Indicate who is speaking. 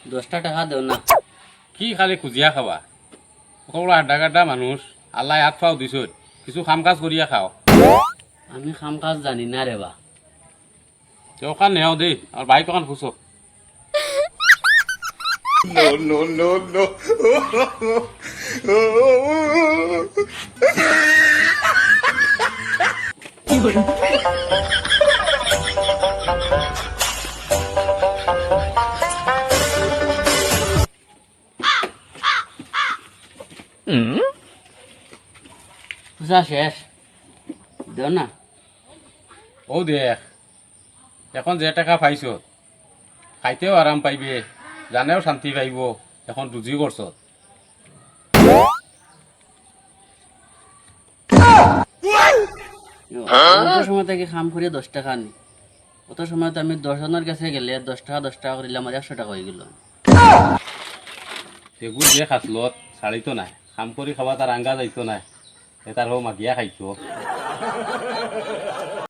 Speaker 1: 10টা টাকা দেও না।
Speaker 2: কি খালি খুজিয়া খাবা সকলো আড্ডা গাড্ডা মানুষ আল্লাহ হাত ফাও দিছ কিছু কাম কাজ করিয়া খাও
Speaker 1: আমি কাম কাজ জানি না রে বা।
Speaker 2: ওখান নেও দেই আর বাইক ওখান ফুসো
Speaker 1: পূজা শেষ, দেও না।
Speaker 2: ও দেখ এখন যে টাকা পাইছ খাইতেও আরাম পাইবে জানেও শান্তি পাইব এখন রুজি করছ
Speaker 1: অত সময় থেকে কাম করিয়া 10 টাকা নি, অত সময় তো আমি 10 জনের কাছে গেলে 10 টাকা করিলে আমার 100 টাকা হয়ে গেল।
Speaker 2: এগুলো যে খাসলত ছাড়িত নাই কাম কৰি খাবা তার আঙ্গা যাইতো নাই তার হো মাগিয়া খাইতো